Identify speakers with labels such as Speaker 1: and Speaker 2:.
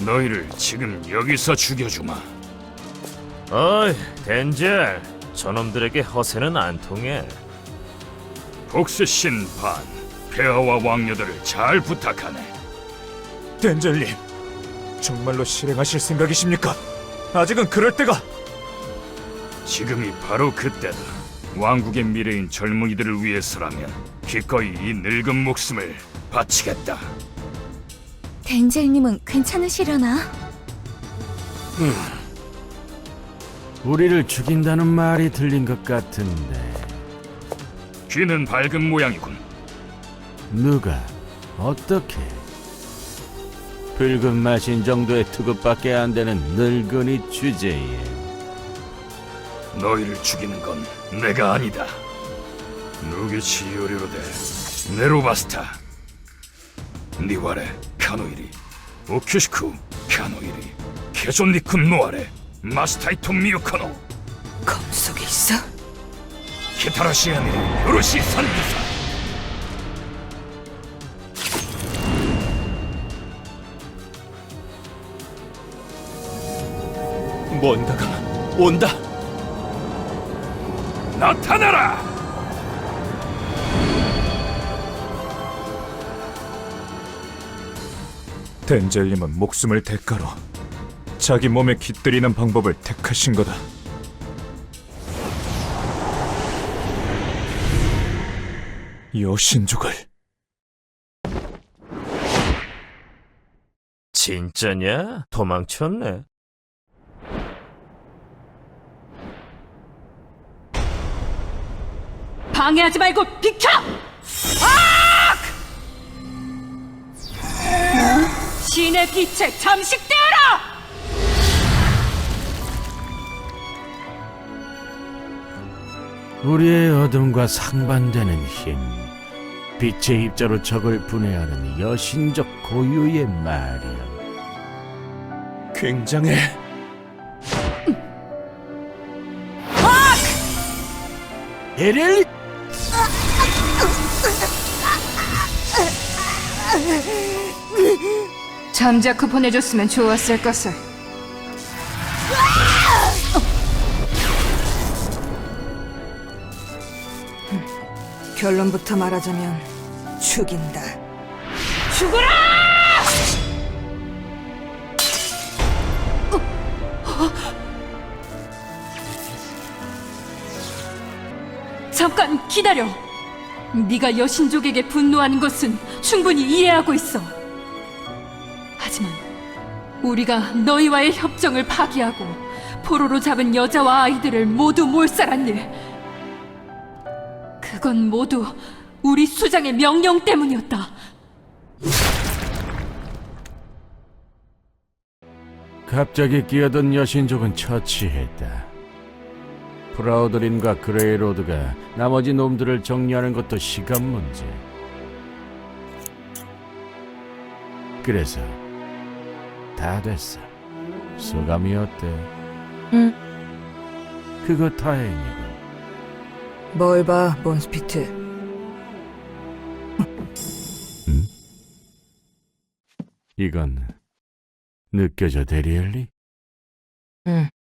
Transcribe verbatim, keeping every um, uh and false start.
Speaker 1: 너희를 지금 여기서 죽여주마.
Speaker 2: 어이, 덴젤. 저놈들에게 허세는 안 통해.
Speaker 1: 복수신 반, 폐하와 왕녀들을 잘 부탁하네.
Speaker 3: 덴젤님, 정말로 실행하실 생각이십니까? 아직은 그럴 때가.
Speaker 1: 지금이 바로 그때다. 왕국의 미래인 젊은이들을 위해서라면 기꺼이 이 늙은 목숨을 바치겠다.
Speaker 4: 덴젤님은 괜찮으시려나?
Speaker 5: 우리를 죽인다는 말이 들린 것 같은데
Speaker 1: 귀는 밝은 모양이군.
Speaker 5: 누가 어떻게? 붉은 마신 정도의 투급밖에 안 되는 늙은이 주제에
Speaker 1: 너희를 죽이는 건 내가 아니다. 누게치 요리로데 네로바스타 니와레 카노이리 오큐시쿠 카노이리 케존니쿤 노아레 마스타이토 미유카노
Speaker 4: 검속에 있어?
Speaker 1: 키타라시아니 요로시 산기사.
Speaker 3: 뭔가가 온다.
Speaker 1: 나타나라!
Speaker 3: 덴젤님은 목숨을 대가로 자기 몸에 깃들이는 방법을 택하신 거다. 여신족을.
Speaker 2: 진짜냐? 도망쳤네.
Speaker 6: 방해하지 말고 비켜! 신의 빛에 잠식되어라!
Speaker 5: 우리의 어둠과 상반되는 힘, 빛의 입자로 적을 분해하는 여신적 고유의 말이야.
Speaker 3: 굉장해.
Speaker 5: 에렐리!
Speaker 6: 잠자코 보내줬으면 좋았을 것을. 결론부터 말하자면 죽인다. 죽어라! 잠깐 기다려. 네가 여신족에게 분노하는 것은 충분히 이해하고 있어. 하지만 우리가 너희와의 협정을 파기하고 포로로 잡은 여자와 아이들을 모두 몰살한 일, 그건 모두 우리 수장의 명령 때문이었다.
Speaker 5: 갑자기 끼어든 여신족은 처치했다. 프라우드린과 그레이로드가 나머지 놈들을 정리하는 것도 시간 문제. 그래서 다 됐어. 소감이 어때?
Speaker 7: 응.
Speaker 5: 그거 다행이고.
Speaker 7: 뭘 봐, 몬스피트.
Speaker 5: 이건 느껴져, 데리엘리?
Speaker 7: 응.